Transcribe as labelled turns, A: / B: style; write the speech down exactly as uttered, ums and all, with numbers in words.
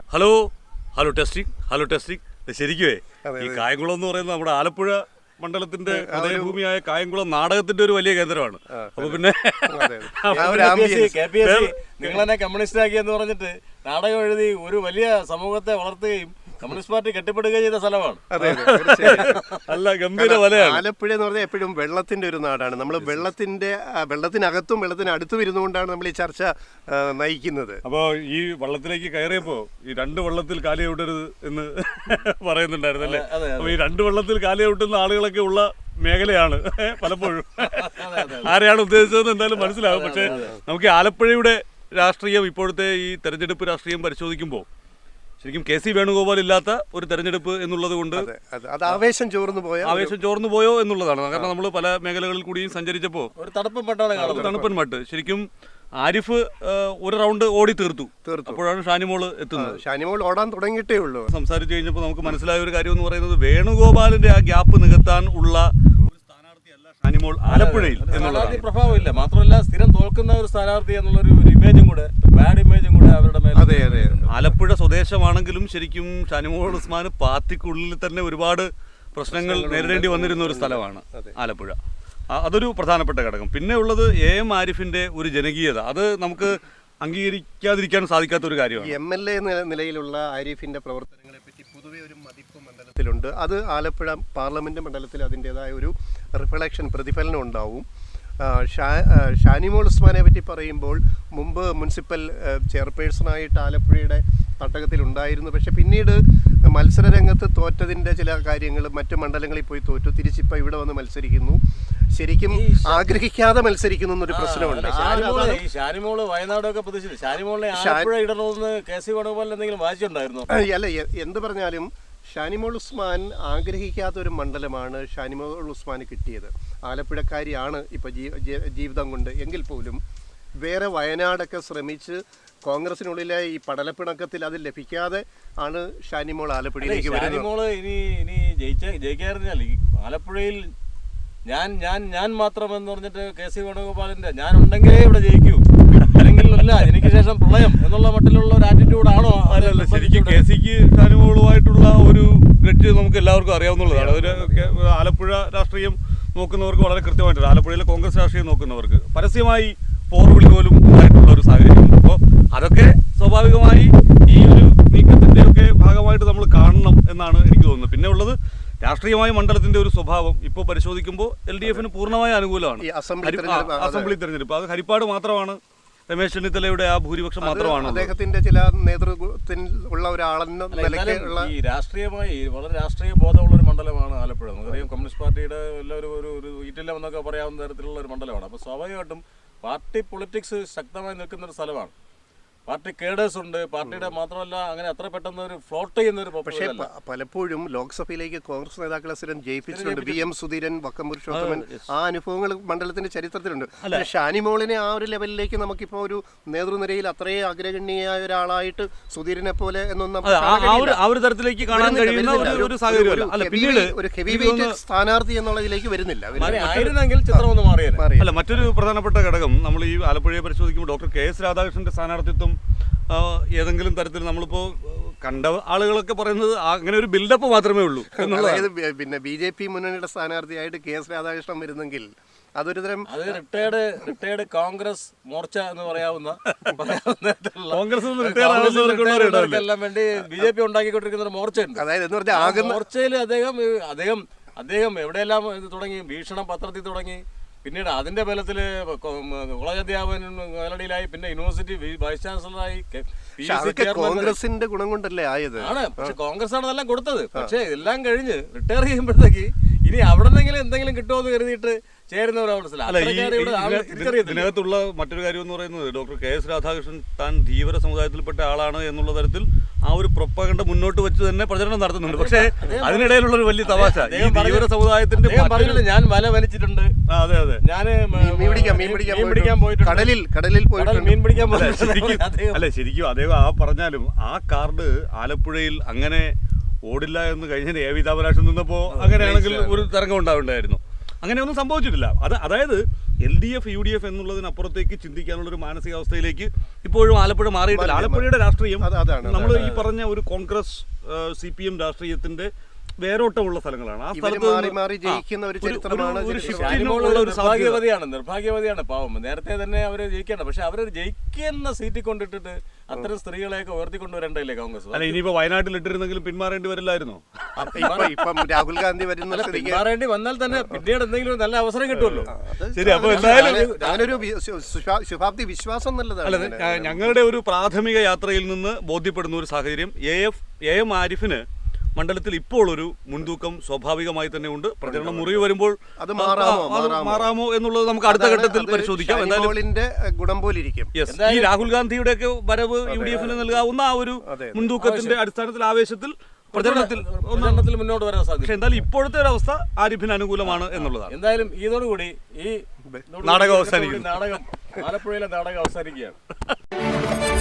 A: Hello hello testing hello testing ശരിക്കുവേ ഈ കായംകുളം എന്ന് പറയുന്നത് നമ്മുടെ ആലപ്പുഴ മണ്ഡലത്തിന്റെ ഹൃദയഭൂമിയായ കായംകുളം നാടകത്തിന്റെ ഒരു വലിയ കേന്ദ്രമാണ്. അപ്പൊ പിന്നെ
B: നിങ്ങൾ തന്നെ കമ്മ്യൂണിസ്റ്റ് ആക്കി എന്ന് പറഞ്ഞിട്ട് നാടകം എഴുതി ഒരു വലിയ സമൂഹത്തെ വളർത്തുകയും കമ്മ്യൂണിസ്റ്റ് പാർട്ടി കെട്ടിപ്പടുകയും ചെയ്ത സ്ഥലമാണ്.
A: അല്ല ഗംഭീര വലയാണ്
C: ആലപ്പുഴ എന്ന് പറഞ്ഞാൽ എപ്പോഴും വെള്ളത്തിന്റെ ഒരു നാടാണ്. നമ്മൾ വെള്ളത്തിന്റെ വെള്ളത്തിനകത്തും വെള്ളത്തിന് അടുത്തും ഇരുന്നുകൊണ്ടാണ് നമ്മൾ ഈ ചർച്ച നയിക്കുന്നത്.
A: അപ്പോൾ ഈ വള്ളത്തിലേക്ക് കയറിയപ്പോ ഈ രണ്ട് വള്ളത്തിൽ കാലി ഔട്ടരുത് എന്ന് പറയുന്നുണ്ടായിരുന്നു അല്ലേ? അപ്പൊ ഈ രണ്ട് വള്ളത്തിൽ കാലി ഔട്ടുന്ന ആളുകളൊക്കെ ഉള്ള മേഖലയാണ് പലപ്പോഴും. ആരെയാണ് ഉദ്ദേശിച്ചതെന്ന് എന്തായാലും മനസ്സിലാവും. പക്ഷെ നമുക്ക് ആലപ്പുഴയുടെ രാഷ്ട്രീയം ഇപ്പോഴത്തെ ഈ തെരഞ്ഞെടുപ്പ് രാഷ്ട്രീയം പരിശോധിക്കുമ്പോൾ ശരിക്കും കെ സി വേണുഗോപാൽ ഇല്ലാത്ത ഒരു തെരഞ്ഞെടുപ്പ് എന്നുള്ളത് കൊണ്ട്
C: അത് ആവേശം ചോർന്നു പോയോ
A: ആവേശം ചോർന്നു പോയോ എന്നുള്ളതാണ്. കാരണം നമ്മൾ പല മേഖലകളിൽ കൂടിയും സഞ്ചരിച്ചപ്പോൾ
B: ഒരു തണുപ്പൻ മട്ടാണ്
A: തണുപ്പൻ മട്ട്. ശരിക്കും ആരിഫ് ഒരു റൗണ്ട് ഓടി തീർത്തു അപ്പോഴാണ് ഷാനിമോൾ എത്തുന്നത്.
C: ഷാനിമോൾ ഓടാൻ തുടങ്ങിയിട്ടേ ഉള്ളൂ.
A: സംസാരിച്ചു കഴിഞ്ഞപ്പോൾ നമുക്ക് മനസ്സിലായ ഒരു കാര്യം എന്ന് പറയുന്നത് വേണുഗോപാലിന്റെ ആ ഗ്യാപ്പ് നികത്താൻ ഉള്ള ഷാനിമോൾ ആലപ്പുഴയിൽ
B: എന്നുള്ളതാണ്. പ്രഭാവമില്ല, മാത്രമല്ല സ്ഥിരം തോൽക്കുന്ന ഒരു സ്ഥാനാർത്ഥി എന്നുള്ളൊരു ഇമേജും കൂടെ, ബാഡ് ഇമേജും കൂടെ അവരുടെ മേലെ.
C: അതെ അതെ
A: ആലപ്പുഴ സ്വദേശമാണെങ്കിലും ശരിക്കും ഷാനിമോൾ ഉസ്മാൻ പാർട്ടിക്കുള്ളിൽ തന്നെ ഒരുപാട് പ്രശ്നങ്ങൾ നേരിടേണ്ടി വന്നിരുന്ന ഒരു സ്ഥലമാണ് ആലപ്പുഴ. അതൊരു പ്രധാനപ്പെട്ട ഘടകം. പിന്നെ ഉള്ളത് എ എം ആരിഫിന്റെ ഒരു ജനകീയത, അത് നമുക്ക് അംഗീകരിക്കാതിരിക്കാൻ സാധിക്കാത്ത ഒരു കാര്യമാണ്.
C: എം എൽ എ നിലയിലുള്ള ആരിഫിന്റെ പ്രവർത്തനങ്ങളെ പറ്റി പൊതുവെ ഒരു മതിപ്പ് മണ്ഡലത്തിലുണ്ട്. അത് ആലപ്പുഴ പാർലമെന്റ് മണ്ഡലത്തിൽ അതിൻ്റെതായ ഒരു റിഫ്ലക്ഷൻ പ്രതിഫലനം ഉണ്ടാവും. ഷാ ഷാനിമോൾ ഉസ്മാനെ പറ്റി പറയുമ്പോൾ മുമ്പ് മുനിസിപ്പൽ ചെയർപേഴ്സണായിട്ട് ആലപ്പുഴയുടെ തട്ടകത്തിലുണ്ടായിരുന്നു. പക്ഷെ പിന്നീട് മത്സര രംഗത്ത് തോറ്റതിൻ്റെ ചില കാര്യങ്ങൾ മറ്റു മണ്ഡലങ്ങളിൽ പോയി തോറ്റു, തിരിച്ചിപ്പോൾ ഇവിടെ വന്ന് മത്സരിക്കുന്നു. ശരിക്കും ആഗ്രഹിക്കാതെ മത്സരിക്കുന്നു എന്നൊരു പ്രശ്നമുണ്ട്.
B: ഷാനിമോള് വയനാടൊക്കെ പ്രതീക്ഷിച്ചു ഷാനിമോളിനെ ആലപ്പുഴ ഇടണമെന്ന് കെ സി വേണുഗോപാൽ എന്തെങ്കിലും വായിച്ചിട്ടുണ്ടായിരുന്നു?
C: അല്ല, എന്ത് പറഞ്ഞാലും ഷാനിമോൾ ഉസ്മാൻ ആഗ്രഹിക്കാത്ത ഒരു മണ്ഡലമാണ് ഷാനിമോൾ ഉസ്മാന് കിട്ടിയത്. ആലപ്പുഴക്കാരിയാണ് ഇപ്പോൾ ജീവിതം കൊണ്ട് എങ്കിൽ പോലും വേറെ വയനാടൊക്കെ ശ്രമിച്ച് കോൺഗ്രസിനുള്ളിലെ ഈ പടലപ്പിണക്കത്തിൽ അത് ലഭിക്കാതെ ആണ് ഷാനിമോൾ ആലപ്പുഴയിലേക്ക് വരുന്നത്.
B: ഷാനിമോള് ഇനി ഇനി ജയിച്ച ജയിക്കാറിഞ്ഞാൽ ഈ ആലപ്പുഴയിൽ ഞാൻ ഞാൻ ഞാൻ മാത്രം എന്ന് പറഞ്ഞിട്ട് കെ സി വേണുഗോപാലിന്റെ ഞാൻ ഉണ്ടെങ്കിലേ ഇവിടെ ജയിക്കൂ, അല്ലെങ്കിൽ അല്ല എനിക്ക് ശേഷം പ്രളയം എന്നുള്ള മട്ടിലുള്ള ഒരു ആറ്റിറ്റ്യൂഡാണോ?
A: അല്ലല്ല, ശരിക്കും കെ സിക്ക് ഷാനിമോളുമായിട്ടുള്ള ഒരു ഗ്രഡ്ജ് നമുക്ക് എല്ലാവർക്കും അറിയാവുന്നതാണ്. ഒരു ആലപ്പുഴ രാഷ്ട്രീയം നോക്കുന്നവർക്ക് വളരെ കൃത്യമായിട്ടുണ്ട്. ആലപ്പുഴയിലെ കോൺഗ്രസ് രാഷ്ട്രീയം നോക്കുന്നവർക്ക് പരസ്യമായി പോർവിളി പോലും ഉണ്ടായിട്ടുള്ള ഒരു സാഹചര്യം. അപ്പോൾ അതൊക്കെ സ്വാഭാവികമായി ഈ ഒരു നീക്കത്തിന്റെ ഒക്കെ ഭാഗമായിട്ട് നമ്മൾ കാണണം എന്നാണ് എനിക്ക് തോന്നുന്നത്. പിന്നെ ഉള്ളത് രാഷ്ട്രീയമായ മണ്ഡലത്തിന്റെ ഒരു സ്വഭാവം ഇപ്പോൾ പരിശോധിക്കുമ്പോൾ എൽ ഡി എഫിന് പൂർണ്ണമായ അനുകൂലമാണ്. അസംബ്ലി തെരഞ്ഞെടുപ്പ് അത് ഹരിപ്പാട് മാത്രമാണ്, രമേശ് ചെന്നിത്തലയുടെ ആ ഭൂരിപക്ഷം മാത്രമാണ്.
C: അദ്ദേഹത്തിന്റെ ചില നേതൃത്വത്തിൽ ഉള്ള ഒരാളെന്ന നിലയ്ക്കുള്ള
B: ഈ രാഷ്ട്രീയമായി വളരെ രാഷ്ട്രീയ ബോധമുള്ള ഒരു മണ്ഡലമാണ് ആലപ്പുഴ. നമുക്കറിയാം കമ്മ്യൂണിസ്റ്റ് പാർട്ടിയുടെ എല്ലാവരും ഒരു ഒരു ഈറ്റില്ലം എന്നൊക്കെ പറയാവുന്ന തരത്തിലുള്ള ഒരു മണ്ഡലമാണ്. അപ്പോൾ സ്വാഭാവികമായിട്ടും പാർട്ടി പൊളിറ്റിക്സ് ശക്തമായി നിൽക്കുന്ന ഒരു സ്ഥലമാണ്. പാർട്ടി കേഡേഴ്സ് ഉണ്ട്, പാർട്ടിയുടെ മാത്രമല്ല അങ്ങനെ അത്ര പെട്ടെന്ന് ഒരു ഫ്ലോട്ട് ചെയ്യുന്ന ഒരു.
C: പക്ഷേ പലപ്പോഴും ലോക്സഭയിലേക്ക് കോൺഗ്രസ് നേതാക്കളെ സ്ഥിരം ജയിപ്പിച്ചിട്ടുണ്ട്. വി എം സുധീരൻ, വക്കം പുരുഷോത്തമൻ, ആ അനുഭവങ്ങൾ മണ്ഡലത്തിന്റെ ചരിത്രത്തിലുണ്ട്. ഷാനിമോളിനെ ആ ഒരു ലെവലിലേക്ക് നമുക്കിപ്പോൾ ഒരു നേതൃനിരയിൽ അത്രയും അഗ്രഗണ്യയായ ഒരാളായിട്ട് സുധീരനെ പോലെ എന്നൊന്നും
A: തരത്തിലേക്ക് കാണാൻ കഴിയുന്ന ഒരു സാഹചര്യം
C: ഒരു ഹെവി വെയിറ്റ് സ്ഥാനാർത്ഥി എന്നുള്ളതിലേക്ക് വരുന്നില്ല.
A: അല്ല, മറ്റൊരു പ്രധാനപ്പെട്ട ഘടകം നമ്മൾ ഈ ആലപ്പുഴയെ പരിശോധിക്കുമ്പോൾ ഡോക്ടർ കെ എസ് രാധാകൃഷ്ണന്റെ സ്ഥാനാർത്ഥിത്വം ഏതെങ്കിലും തരത്തിൽ നമ്മളിപ്പോൾ കണ്ട ആളുകളൊക്കെ പറയുന്നത് അങ്ങനെ ഒരു ബിൽഡപ്പ് മാത്രമേ ഉള്ളൂ
C: എന്നുള്ളത്. പിന്നെ ബി ജെ പി മുന്നണിയുടെ സ്ഥാനാർത്ഥിയായിട്ട് കെ എസ് രാധാകൃഷ്ണൻ വരുന്നെങ്കിൽ അതൊരു തരം
B: അത് റിട്ടയർഡ് റിട്ടയർഡ് കോൺഗ്രസ് മോർച്ച എന്ന് പറയാവുന്ന
A: കോൺഗ്രസ്
B: എല്ലാം വേണ്ടി ബി ജെ പി ഉണ്ടാക്കിക്കൊണ്ടിരിക്കുന്ന ഒരു മോർച്ച ഉണ്ട്.
C: അതായത് എന്ന് പറഞ്ഞാൽ ആകെ
B: മോർച്ചയിൽ അദ്ദേഹം അദ്ദേഹം അദ്ദേഹം എവിടെയെല്ലാം തുടങ്ങി, ഭീഷണം പത്രത്തിൽ തുടങ്ങി, പിന്നീട് അതിന്റെ ബലത്തിൽ കോളേജ് അധ്യാപകൻ മേലടിയിലായി, പിന്നെ യൂണിവേഴ്സിറ്റി വൈസ് ചാൻസലറായി.
C: കോൺഗ്രസിന്റെ ഗുണം കൊണ്ടല്ലേ ആയത്
B: ആണ്. പക്ഷെ കോൺഗ്രസ് ആണ് അതെല്ലാം കൊടുത്തത്. പക്ഷെ എല്ലാം കഴിഞ്ഞ് റിട്ടയർ ചെയ്യുമ്പോഴത്തേക്ക് ഇനി അവിടെ നിന്നെങ്കിലും എന്തെങ്കിലും കിട്ടുമോ എന്ന് കരുതിയിട്ട്
A: ഇതിനകത്തുള്ള മറ്റൊരു കാര്യം എന്ന് പറയുന്നത് ഡോക്ടർ കെ എസ് രാധാകൃഷ്ണൻ താൻ ധീവര സമുദായത്തിൽപ്പെട്ട ആളാണ് എന്നുള്ള തരത്തിൽ ആ ഒരു പ്രൊപ്പഗണ്ട മുന്നോട്ട് വെച്ച് തന്നെ പ്രചരണം നടത്തുന്നുണ്ട്. പക്ഷേ അതിനിടയിലുള്ള ഒരു വലിയ തമാശ, ധീവര സമുദായത്തിന്റെ
B: ഞാൻ വല വലിച്ചിട്ടുണ്ട്,
A: അതെ അതെ
B: ഞാൻ
C: മീൻ പിടിക്കാൻ പോയിട്ടുണ്ട്, കടലിൽ കടലിൽ പോയിട്ട്
B: മീൻ പിടിക്കാൻ പോയിട്ടുണ്ട്.
A: അല്ലെ, ശരിക്കും അദ്ദേഹം ആ പറഞ്ഞാലും ആ കാർഡ് ആലപ്പുഴയിൽ അങ്ങനെ ഓടില്ല എന്ന് കഴിഞ്ഞ എ വി താപരാശൻ നിന്നപ്പോൾ അങ്ങനെയാണെങ്കിൽ ഒരു തരംഗം ഉണ്ടാവുണ്ടായിരുന്നു. അങ്ങനെയൊന്നും സംഭവിച്ചിട്ടില്ല. അത് അതായത് L D F U D F എന്നുള്ളതിനപ്പുറത്തേക്ക് ചിന്തിക്കാനുള്ള ഒരു മാനസികാവസ്ഥയിലേക്ക് ഇപ്പോഴും ആലപ്പുഴ മാറിയിട്ടില്ല. ആലപ്പുഴയുടെ രാഷ്ട്രീയം
C: അത് അതാണ്
A: നമ്മൾ ഈ പറഞ്ഞ ഒരു കോൺഗ്രസ് സി പി എം രാഷ്ട്രീയത്തിന്റെ വേരോട്ടമുള്ള സ്ഥലങ്ങളാണ്. ആ
C: ഇവര്
A: സ്ഥലത്ത്
C: മാറി മാറി ജയിക്കുന്ന ഒരു ചരിത്രമാണ്
A: ഒരു
C: ചരിത്രം.
A: shift
B: ഷാനിമോൾ
A: ഉള്ള ഒരു സാധ്യത.
B: നിർഭാഗ്യവതിയാണ് നിർഭാഗ്യവതിയാണ് പാവം. നേരത്തെ തന്നെ അവർ ജയിക്കേണ്ട, പക്ഷെ അവർ ജയിക്കുന്ന സീറ്റിൽ കൊണ്ടിട്ടിട്ട് അത്തരം സ്ത്രീകളെയൊക്കെ ഉയർത്തിക്കൊണ്ടുവരണ്ടല്ലേ കോൺഗ്രസ്?
A: അല്ല, ഇനിയിപ്പോ വയനാട്ടിൽ ഇട്ടിരുന്നെങ്കിലും പിന്മാറേണ്ടി വരില്ലായിരുന്നോ?
C: അപ്പൊ ഇപ്പൊ ഇപ്പം രാഹുൽ ഗാന്ധി വരുന്ന സ്ഥിതിക്ക്
B: പിന്മാറേണ്ടി വന്നാൽ തന്നെ പിന്നീട് എന്തെങ്കിലും ഒരു നല്ല അവസരം കിട്ടുമല്ലോ.
C: അത്
A: ശരി, അപ്പൊ എന്തായാലും
C: ഞാനൊരു വി- ശു- ശുഭാ- ശുഭാപ്തി വിശ്വാസം നല്ലതാണ്.
A: അല്ല, ഞ- ഞങ്ങളുടെ ഒരു പ്രാഥമിക യാത്രയിൽ നിന്ന് ബോധ്യപ്പെടുന്ന ഒരു സാഹചര്യം എ എഫ് എ എം ആരിഫിന് മണ്ഡലത്തിൽ ഇപ്പോൾ ഒരു മുൻതൂക്കം സ്വാഭാവികമായി തന്നെ ഉണ്ട്. പ്രചരണം മുറിവ് വരുമ്പോൾ
C: അത് മാറാമോ,
A: അത്
C: മാറാമോ?
A: മാറാമോ എന്നുള്ളത് നമുക്ക് അടുത്ത ഘട്ടത്തിൽ പരിശോധിക്കാം. എന്തായാലും
C: ഷാനിമോളിന്റെ ഗുണം പോലിരിക്കും.
A: യെസ്, ഈ രാഹുൽ ഗാന്ധിയുടെ ഒക്കെ വരവ് യു ഡി എഫിന് നൽകാവുന്ന ആ ഒരു മുൻതൂക്കത്തിന്റെ അടിസ്ഥാനത്തിൽ ആവേശത്തിൽ പ്രചരണത്തിൽ
B: പ്രചരണത്തിൽ മുന്നോട്ട് വരാൻ സാധ്യത.
A: പക്ഷെ എന്തായാലും ഇപ്പോഴത്തെ ഒരു അവസ്ഥ ആരിഫിന് അനുകൂലമാണ് എന്നുള്ളതാണ്.
B: എന്തായാലും ഇതോടുകൂടി ഈ
A: നാടകം അവസാനിക്കുന്നു.
B: നാടകം ആലപ്പുഴയിലെ നാടകം അവസാനിക്കുകയാണ്.